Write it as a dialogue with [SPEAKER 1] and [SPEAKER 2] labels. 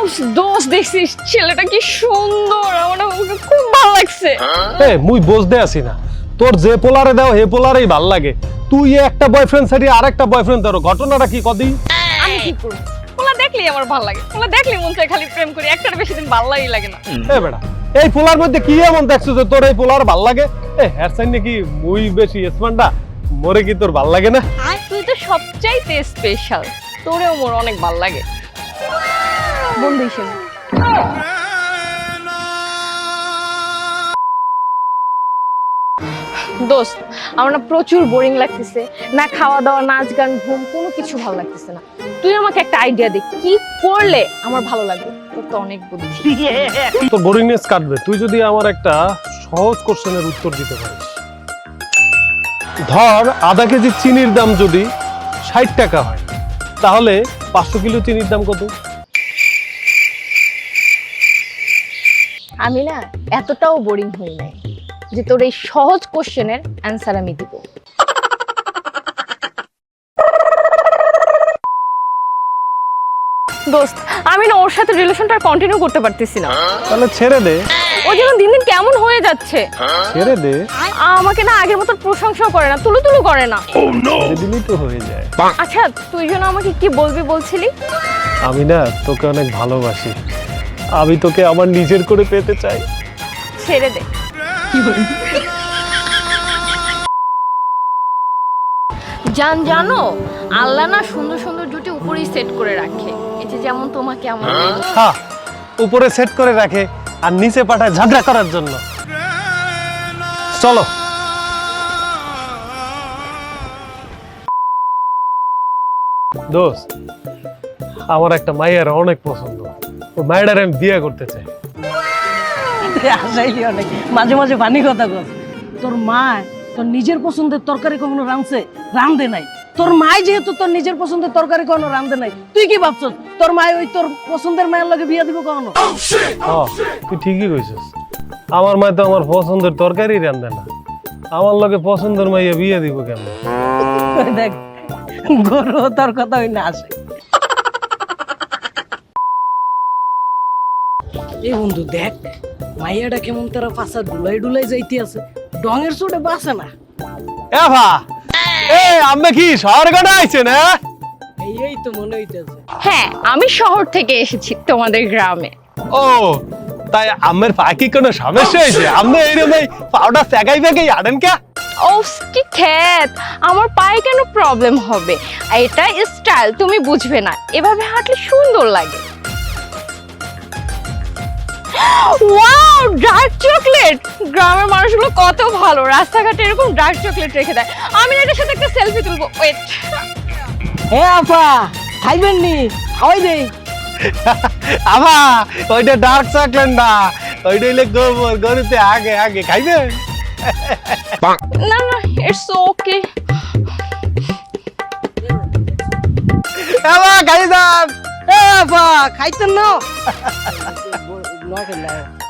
[SPEAKER 1] দোস্ত দেখছিস ছেলেটা কি সুন্দর, আমার ওকে খুব ভালো লাগছে।
[SPEAKER 2] মুই বুঝতে আসি না, তোর যে পোলারে দাও হে পোলারেই ভাল লাগে, তুই একটা বয়ফ্রেন্ড ছাড়িয়ে আরেকটা বয়ফ্রেন্ড ধরো, ঘটনাটা কি কদি?
[SPEAKER 1] আমি কি করব, পোলা দেখলেই আমার ভালো লাগে, পোলা দেখলেই মন চায় খালি প্রেম করি, একটার বেশি দিন ভালো লাগে না।
[SPEAKER 2] বেটা, এই পোলার মধ্যে কি এমন দেখছো যে তোর এই পোলার ভাল লাগে? হেয়ার সাইন নাকি মুই বেশি স্মার্টটা, মোরে কি তোর ভাল লাগে না?
[SPEAKER 1] তুই তো সবচাইতে স্পেশাল, তোরেও মোর অনেক ভালো লাগে বন্ধু হিসেবে। দোস্ত, আমার না প্রচুর বোরিং লাগতেছে, না খাওয়া দাওয়া, নাচ গান, ঘুম, কোনো কিছু ভালো লাগতেছে না। তুই আমাকে একটা আইডিয়া দে, কি করলে আমার ভালো লাগবে? তোর তো অনেক বুদ্ধি।
[SPEAKER 2] তোর বোরিংনেস কাটবে তুই যদি আমার একটা সহজ কোশ্চেনের উত্তর দিতে পারিস। ধর আধা কেজি চিনির দাম যদি 60 টাকা হয়, তাহলে 500 কিলো চিনির দাম কত?
[SPEAKER 1] আমি না এতটাও বোরিং হই নাই যে তোর এই সহজ কোশ্চেনের অ্যান্সার আমি দিব। দোস্ত, আমি না ওর সাথে রিলেশনটা কন্টিনিউ করতে পারতেছি না।
[SPEAKER 2] তাহলে ছেড়ে দে।
[SPEAKER 1] ও যেন দিন দিন কেমন হয়ে যাচ্ছে।
[SPEAKER 2] ছেড়ে দে।
[SPEAKER 1] আমাকে না আগের মতো প্রশংসাও করে না, তুলু তুলু করে না।
[SPEAKER 2] ছেড়ে দিলেই তো হয়ে যায়।
[SPEAKER 1] আচ্ছা, তুই যেন আমাকে কি বলবি বলছিলি?
[SPEAKER 2] আমি না তোকে অনেক ভালোবাসি, আমি তোকে আমার নিজের করে পেতে চাই।
[SPEAKER 1] ছেড়ে দে। জানো আল্লাহ না সুন্দর সুন্দর জুটি উপরেই সেট করে রাখে, এই যে যেমন তোমাকে আমার।
[SPEAKER 2] হ্যাঁ, উপরে সেট করে রাখে আর নিচে পাঠায় ঝগড়া করার জন্য। চলো। দোস্ত, আমার একটা মায়ের অনেক পছন্দ, ও মায়ের আমি বিয়ে করতে চাই।
[SPEAKER 3] আসাইলি অনেক, মাঝে মাঝে ফানি কথা কর। তোর মা তোর নিজের পছন্দের তরকারি কখনো রাঁধছে? রাঁধে নাই। তোর মা যেহেতু তোর নিজের পছন্দের তরকারি কখনো রাঁধে নাই, তুই কি ভাবছস তোর মা ওই তোর পছন্দের মায়ের লগে বিয়ে দিব কখনো?
[SPEAKER 2] তুই ঠিকই কইছিস, আমার মা তো আমার পছন্দের তরকারি রাঁধে না, আমার লগে পছন্দের মাইয়া বিয়ে দিব কেন?
[SPEAKER 3] দেখ, গরু তোর কথা হই না আসে। এই বন্ধু দেখ, মাইয়াটা কেমন তারা পাশা ডুলাই ডুলাই যাইতে আছে, ডঙের চোটে বাসে না।
[SPEAKER 2] এ ভা, আমি কি শহর গড়া আইছে না?
[SPEAKER 3] এই তো মনে হইতেছে।
[SPEAKER 1] হ্যাঁ, আমি শহর থেকে এসেছি তোমাদের গ্রামে।
[SPEAKER 2] ও তাই আমের পাখি কোনো সমস্যা হয়েছে? আপনি এইরকম পাউডার সেগাই বেগাই আনেন কে?
[SPEAKER 1] ও কি খ্যাত, আমার পায়ে কেন প্রবলেম হবে? এটা স্টাইল, তুমি বুঝবে না, এভাবে হাঁটলে সুন্দর লাগে। Wow, dark chocolate! গ্রামের মানুষগুলো কত ভালো, রাস্তাঘাটে এরকম ডার্ক চকলেট রেখে দেয়। আমি এটার সাথে একটা সেলফি তুলবো। ওয়েট।
[SPEAKER 3] হে আপা, খাইবেন নি? খাওয়াই দেই।
[SPEAKER 2] আমা, ওইটা ডার্ক চকলেট না, ওইটা হইলে গোবর, গরুতে আগে আগে খাইবেন।
[SPEAKER 1] না না, ইটস ওকে।
[SPEAKER 2] আমা খাই যান।
[SPEAKER 3] এ আপা, খাইতেন না?